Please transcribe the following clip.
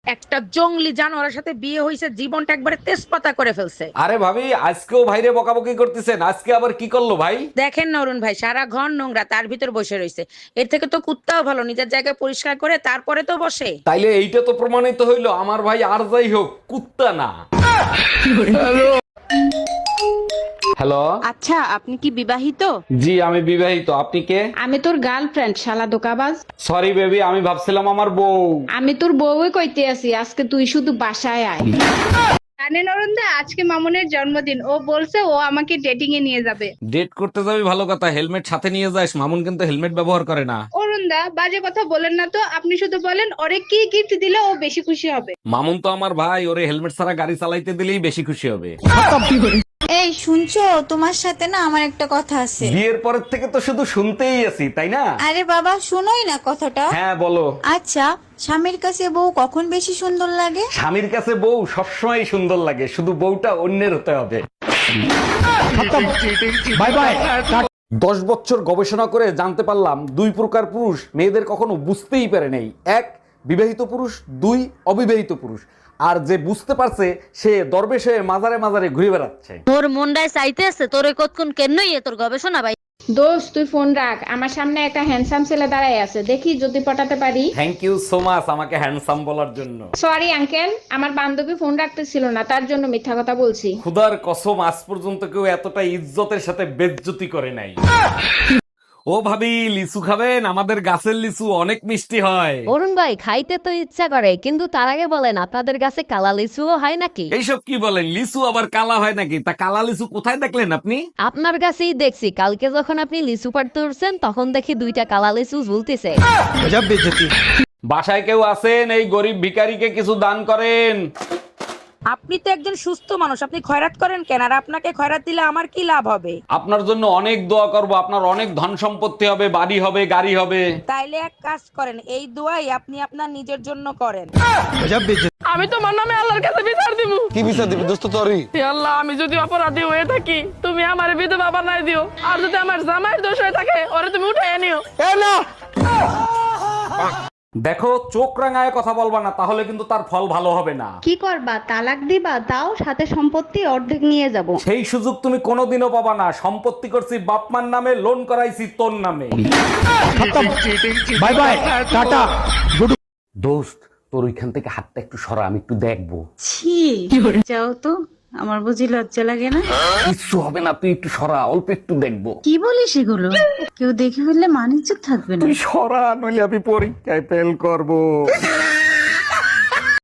একটা জংলি জানোয়ারের সাথে বিয়ে হয়েছে, জীবনটা একবারে তেজপাতা করে ফেলছে। আরে ভাবি, আজকেও ভাইরে বকাবকি করতেছেন? আজকে আবার কি করলো ভাই? দেখেন না অরুণ ভাই, সারা ঘর নোংরা, তার ভিতর বসে রয়েছে। এর থেকে তো কুত্তাও ভালো, নিজের জায়গায় পরিষ্কার করে তারপরে তো বসে। তাইলে এইটা তো প্রমাণিত হইলো আমার ভাই আর যাই হোক কুত্তা না। হ্যালো। আচ্ছা, আপনি কি বিবাহিত? জি আমি বিবাহিত, আপনি কে? আমি তোর গার্লফ্রেন্ড, শালা দোকাবাজ। সরি বেবি, আমি ভাবছিলাম আমার বউ। আমি তোর বউই কইতে আছি, আজকে তুই শুধু বাসায় আয়। জানেন অরুণদা, আজকে মামুনের জন্মদিন। ও বলছে ও আমাকে ডেটিং এ নিয়ে যাবে। ডেট করতে যাবি ভালো কথা, হেলমেট সাথে নিয়ে যাস। মামুন কিন্তু হেলমেট ব্যবহার করে না। অরুণদা, বাজে কথা বলেন না তো। আপনি শুধু বলেন ওরে কি গিফট দিলে ও বেশি খুশি হবে। মামুন তো আমার ভাই, ওরে হেলমেট ছাড়া গাড়ি চালাইতে দিলেই বেশি খুশি হবে। এই শুনছো, তোমার সাথে না আমার একটা কথা আছে। বিয়ের পরের থেকে তো শুধু শুনতেই আছি, তাই না? আরে বাবা, শুনোই না কথাটা। হ্যাঁ বলো। আচ্ছা, স্বামীর কাছে বউ কখন বেশি সুন্দর লাগে? স্বামীর কাছে বউ সবসময় সুন্দর লাগে, শুধু বউটা অন্যের হতে হবে। Bye bye. 10 বছর গবেষণা করে জানতে পারলাম 2 প্রকার পুরুষ মেয়েদের কখনো বুঝতেই পারে নাই। 1 বিবাহিত পুরুষ, 2 অবিবাহিত পুরুষ। আর যে বুঝতে পারছে সে দরবেশ হয়ে মাজারে মাজারে ঘুরে বেড়াচ্ছে। তোর মনটায় চাইতে আছে তোরে কতক্ষণ কেনই তোর গবেষণা ভাই। দোস্ত, তুই ফোন রাখ, আমার সামনে একটা হ্যান্ডসাম ছেলে দাঁড়ায় আছে, দেখি যদি পটাতে পারি। থ্যাংক ইউ সো মাচ আমাকে হ্যান্ডসাম বলার জন্য। সরি আঙ্কেল, আমার বান্ধবী ফোন রাখতেছিল না, তার জন্য মিথ্যা কথা বলছি। খুদার কসম, আজ পর্যন্ত কেউ এতটা ইজ্জতের সাথে বেজ্জতি করে নাই। ও ভাবি, লিচু খাবেন? আমাদের গাছের লিচু অনেক মিষ্টি হয়। অরুণ ভাই, খাইতে তো ইচ্ছা করে, কিন্তু তার আগে বলেন আপনাদের কাছে কালা লিচুও হয় নাকি? এইসব কি বলেন? লিচু আবার কালা হয় নাকি? তা কালা লিচু কোথায় দেখলেন আপনি? আপনার কাছেই দেখছি, কালকে যখন আপনি লিচু পাড়তে উঠছেন তখন দেখি 2টা কালা লিচু ঝুলতেছে। বাসায় কেউ আছেন? এই গরিব ভিখারিকে কিছু দান করেন। আপনি তো একজন সুস্থ মানুষ, আপনি খয়রাত করেন কেন? আর আপনাকে খয়রাত দিলে আমার কি লাভ হবে? আপনার জন্য অনেক দোয়া করব, আপনার অনেক ধন সম্পত্তি হবে, বাড়ি হবে, গাড়ি হবে। তাইলে এক কাজ করেন, এই দোয়াই আপনি আপনার নিজের জন্য করেন। আমি তোমার নামে আল্লাহর কাছে বিচার দিব। কি বিচার দিবি দোস্ত তোরই? হে আল্লাহ, আমি যদি অপরাধী হয়ে থাকি তুমি আমার বিধবা বানাই দিও, আর যদি আমার জামাইয়ের দোষ হয়ে থাকে ওরে তুমি উঠাই নিও। এ না, দেখো, চোখ রাঙায় কথা বলবা না, তাহলে কিন্তু তার ফল ভালো হবে না। কি করবা? তালাক দিবা? তাও সাথে সম্পত্তি অর্ধেক নিয়ে যাব। সেই সুযোগ তুমি কোনোদিনও পাবা না। সম্পত্তি করছি বাপমার নামে, লোন করাইছি তোর নামে। Bye bye, tata. দোস্ত, তোর ওইখান থেকে হাতটা একটু সরা, আমি একটু দেখবো। ছি, যাও তো, আমার বুঝি লজ্জা লাগে না? কিচ্ছু হবে না, তুই একটু সরা, অল্প একটু দেখবো। কি বলিস এগুলো? কেউ দেখে ফেললে মানিজ্য থাকবে না। তুই সরা, নইলে আমি পরীক্ষায় ফেল করবো।